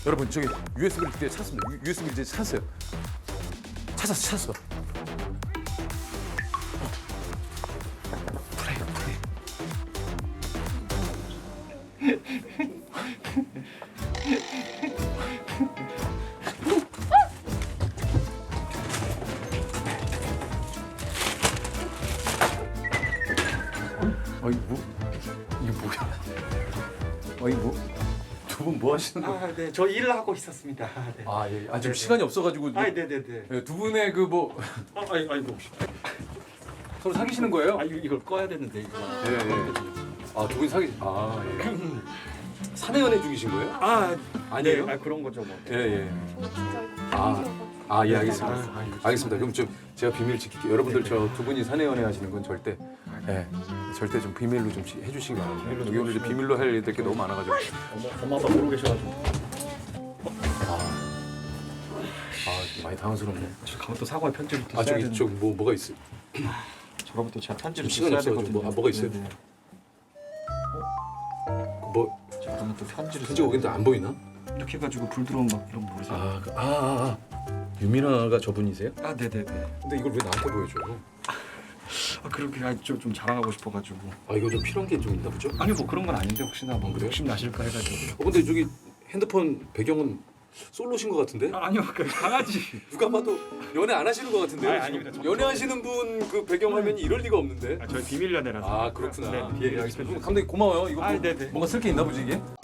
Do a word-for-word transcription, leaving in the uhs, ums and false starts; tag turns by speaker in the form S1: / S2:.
S1: 여러분 저기 유에스비를 그때 찾았습니다. 유- 유에스비를 이제 찾았어요. 찾았어, 찾았어. 프레임, 프레임. 어이 뭐 이게 뭐야? 어이 뭐두 분 뭐 하시는 거예요?
S2: 아, 네. 저 일을 하고 있었습니다. 아, 네.
S1: 아 예, 아 지금
S2: 네네.
S1: 시간이 없어가지고
S2: 아, 네, 네, 네.
S1: 예, 두 분의 그 뭐
S2: 아, 아이, 아이고.
S1: 서로 사귀시는 거예요?
S2: 아, 이거- 이걸 꺼야 되는데 이거.
S1: 예, 예. 아 두 분이 사귀 아 예. 사내 연애 중이신 거예요?
S2: 아,
S1: 아니에요?
S2: 네. 아, 그런 거죠, 뭐.
S1: 예 예.
S3: 저 진짜
S1: 아. 아 예 알겠습니다.
S2: 아, 아이고,
S1: 알겠습니다. 그럼 좀 제가 비밀 지킬게요. 여러분들 저 두 분이 사내 연애 하시는 건 절대 예 절대 좀 비밀로 좀 시- 해주시기 바랍니다.
S2: 비밀로
S1: 여기 오늘 이제 비밀로 할 일들 게 너무 많아가지고.
S2: 엄마, 엄마 아빠 모르고 계셔가지고.
S1: 아, 아 많이 당황스럽네.
S2: 저 가면 또 사과의 편지를 또
S1: 아
S2: 써야
S1: 저기
S2: 되는데.
S1: 저기 뭐 뭐가 있어?
S2: 저러면 또 제가 편지를
S1: 지금 시간이
S2: 써야
S1: 없어가지고
S2: 되거든요.
S1: 뭐- 아, 뭐가 있어요?
S2: 네, 네.
S1: 뭐
S2: 저 그러면 또 편지를
S1: 편지
S2: 써야
S1: 오긴데 안 보이나?
S2: 돼요. 이렇게 해가지고 불 들어오면 막 이런 거 모르세요?
S1: 아, 그- 아, 아, 아. 유민아가 저분이세요?
S2: 아, 네, 네, 네.
S1: 근데 이걸 왜 나한테 보여줘?
S2: 아, 그렇게 아, 좀, 좀 자랑하고 싶어가지고.
S1: 아 이거 좀 필요한 게 좀 있나 보죠?
S2: 아니 뭐 그런 건 아닌데 혹시나 뭐
S1: 그래요?
S2: 욕심 나실까 해가지고.
S1: 어 근데 저기 핸드폰 배경은 솔로신 것 같은데?
S2: 아, 아니요, 그 강아지.
S1: 누가 봐도 연애 안 하시는 것 같은데요?
S2: 아니,
S1: 지금?
S2: 아닙니다. 저-
S1: 연애하시는 분 그 배경 화면이 이럴 리가 없는데?
S2: 아, 저희 비밀 연애라서.
S1: 아 그렇구나.
S2: 네,
S1: 예, 알겠습니다. 그럼 감독님 고마워요. 이거
S2: 아,
S1: 뭐,
S2: 네네.
S1: 뭔가 쓸 게 있나 보지 이게?